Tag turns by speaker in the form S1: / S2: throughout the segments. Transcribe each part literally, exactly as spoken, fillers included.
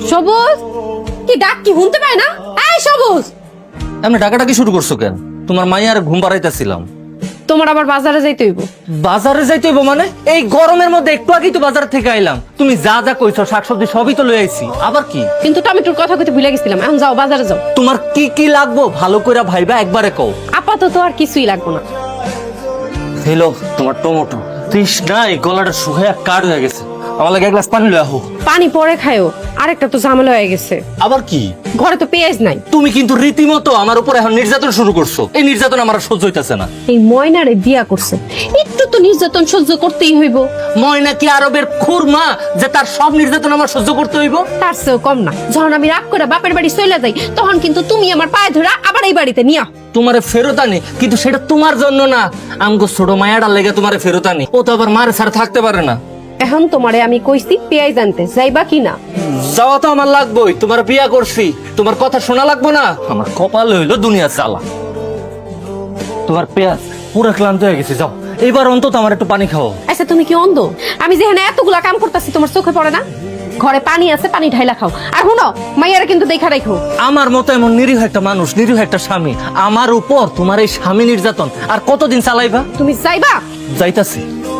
S1: সবুজ, কি ডাক কি শুনতে পায় না? এই সবুজ,
S2: এমনি ডাকাডাকি শুরু করছো কেন? তোমার মাইয়ার ঘুম পাড়াইতেছিলাম।
S1: তোমার আবার বাজারে যাইতে হইব।
S2: বাজারে যাইতে হইব মানে? এই গরমের মধ্যে একটু আগেই তো বাজার থেকে আইলাম। তুমি যা যা কইছো শাকসবজি সবই তো লই আইছি, আবার কি?
S1: কিন্তু টমেটোর কথা কইতে ভুলে গেছিলাম। এখন যাও বাজারে যাও।
S2: তোমার কি কি লাগবো ভালো করে ভাইবা একবারে কও।
S1: আপাতত আর কিছুই লাগবে না।
S2: হ্যালো, তোমার টমেটো তৃষ্ণায় গলাটা শুকায় কাঠ হয়ে গেছে। আমার লাগে এক গ্লাস পানি লয়ে আহো।
S1: পানি পরে খায়ও, আরেকটা তো ঝামেলা হয়ে গেছে।
S2: আবার কি?
S1: ঘরে তো পেঁয়াজ নাই।
S2: তুমি কিন্তু রীতিমতো আমার উপর এখন নির্যাতন শুরু করছো। এই নির্যাতন আমার আর সহ্য হইতাছে না।
S1: এই ময়নারে বিয়া করছে, একটু তো নির্যাতন সহ্য করতেই হইব।
S2: ময়না কি আরবের খুরমা যে তার সব নির্যাতন আমার সহ্য করতে হইব?
S1: তার চেয়েও কম না। যখন আমি রাগ করে বাপের বাড়ি চলে যাই, তখন কিন্তু তুমি আমার পায়ে ধরে আবার এই বাড়িতে নিয়া।
S2: তোমারে ফেরত আনি, কিন্তু সেটা তোমার জন্য না, আমগো ছোট মায়াটার লেগে তোমারে ফেরত আনি। ও তো আবার মারে ছাড়া থাকতে পারে না।
S1: এখন তোমারে আমি কইছি পেঁয়াজ আনতে, যাইবা কি না?
S2: যাওয়া তো আমার লাগবেই, তোমার বিয়া করছি, তোমার কথা শোনা লাগবো না? আমার কপাল হইলো দুনিয়া চালা। তোমার পেঁয়াজ পুরো ক্লান্ত হয়ে গেছে, যাও এইবার অন্তত আমার একটু পানি খাও।
S1: আচ্ছা তুমি কি অন্ধ? আমি যেখানে এতগুলা কাম করতেছি তোমার চোখে পড়ে না? ঘরে পানি আছে, পানি ঢাইলা খাও। আর শুনো, মাইয়ারে কিন্তু দেখা রাখো।
S2: আমার মতো এমন নিরীহ একটা মানুষ, নিরীহ একটা স্বামী, আমার উপর তোমার এই স্বামী নির্যাতন আর কতদিন চালাইবা?
S1: তুমি যাইবা?
S2: যাইতাছি।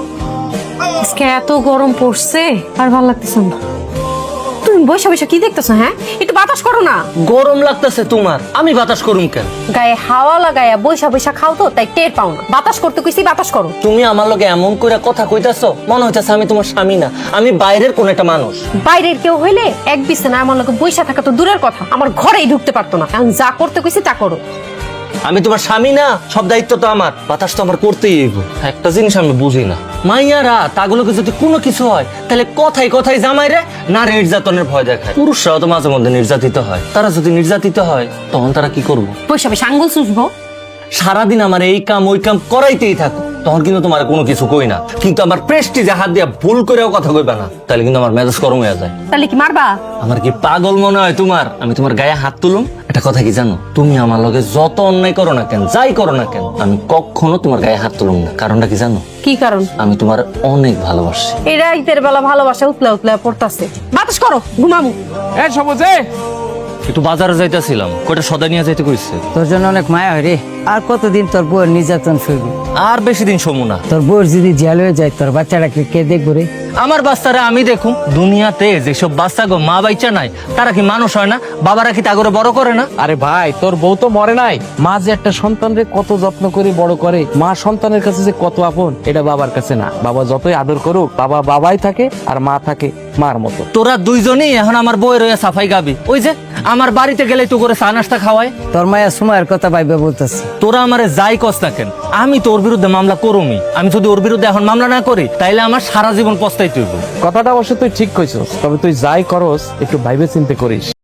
S1: আজকে এত গরম পড়ছে, আর ভালো লাগতেছে না। তুমি বসে বসে কি দেখতেছো? হ্যাঁ, একটু বাতাস করো না।
S2: গরম লাগতেছে তোমার, আমি বাতাস করুম কেন?
S1: গায়ে হাওয়া লাগায়া বৈশা বৈশা খাও তো, তাই টের পাও না। বাতাস করতে কইছি, বাতাস করো।
S2: তুমি আমার লগে এমন করে কথা কইতাছো, মনে হইতাছে আমি তোমার স্বামী না, আমি বাইরের কোন একটা মানুষ।
S1: বাইরের কেউ হইলে এক বিছানা আমার লগে বৈশা থাকা তো দূরের কথা, আমার ঘরেই ঢুকতে পারতো না। এখন যা করতে কইছি তা করো।
S2: আমি তোমার স্বামী না, সব দায়িত্ব তো আমার, বাতাস তো আমার করতেই হইব। একটা জিনিস আমি বুঝি না, মাইয়ারা তাগুলোকে যদি কোনো কিছু হয় তাহলে কথাই কথাই জামাই রে না নির্যাতনের ভয় দেখায়। পুরুষরাও তো মাঝে মধ্যে নির্যাতিত হয়, তারা যদি নির্যাতিত হয় তখন তারা কি করবো?
S1: বৈশা বৈশা আঙ্গুল চুষবো।
S2: সারাদিন আমার এই কাম ওই কাম করাইতেই থাকো, তখন কিন্তু তোমার কোনো কিছু কই না। কিন্তু আমার প্রেস্টিজে হাত দিয়া ভুল করেও কথা কইবা না, তাহলে কিন্তু আমার মেজাজ গরম হয়ে যায়।
S1: তাহলে কি মারবা?
S2: আমার কি পাগল মনে হয় তোমার? আমি তোমার গায়ে হাত তুলুম? একটা কথা কি জানো, তুমি আমার লগে যত অন্যায় করো না কেন, যাই করো না কেন, আমি কখনো তোমার গায়ে হাত তুলুম না। কারণটা কি জানো?
S1: কি কারণ?
S2: আমি তোমার অনেক ভালোবাসি।
S1: এই রাইতের বেলা ভালোবাসা উতলা উতলা পড়তাছে। বাতাস করো, ঘুমামু।
S3: এ সবুজ,
S2: একটু বাজারে যাইতেছিলাম, কয়টা সদাই নিয়ে যাইতে কইছে।
S4: তোর জন্য অনেক মায়া হয় রে। আর কতদিন তোর বউয়ের নির্যাতন শুরু?
S2: আর বেশি দিন সমু না।
S4: তোর বউয়ের যদি জেল হয়ে যায়, তোর বাচ্চাটাকে কে দেখবো রে?
S2: আমার বাচ্চারা আমি দেখুম। দুনিয়াতে যেসব বাচ্চা গো মা বাইচা নাই, তারা কি মানুষ হয় না? বাবারা কি তাগরে বড় করে না?
S3: আরে ভাই, তোর বউ তো মরে নাই। মা যে একটা সন্তানরে কত যত্ন করে বড় করে, মা সন্তানের কাছে যে কত আপন, এটা বাবার কাছে না। বাবা যতই আদর করুক, বাবা বাবাই থাকে আর মা থাকে মার মতো।
S2: তোরা দুইজনই এখন আমার বই রয়ে সাফাই গাবি। ওই যে আমার বাড়িতে গেলে তো করে চা নাস্তা খাওয়ায়।
S4: তোর মায়া সময়ের কথা ভাইবে বলতেছে।
S2: তোরা আমারে যাই কস না কেন, আমি তো ওর বিরুদ্ধে মামলা করুমি। আমি যদি ওর বিরুদ্ধে এখন মামলা না করি, তাইলে আমার সারা জীবন পস্তাইতে হইব।
S3: কথাটা অবশ্য তুই ঠিক কইছস, তবে তুই যাই করস একটু ভাইবে চিন্তে করিস।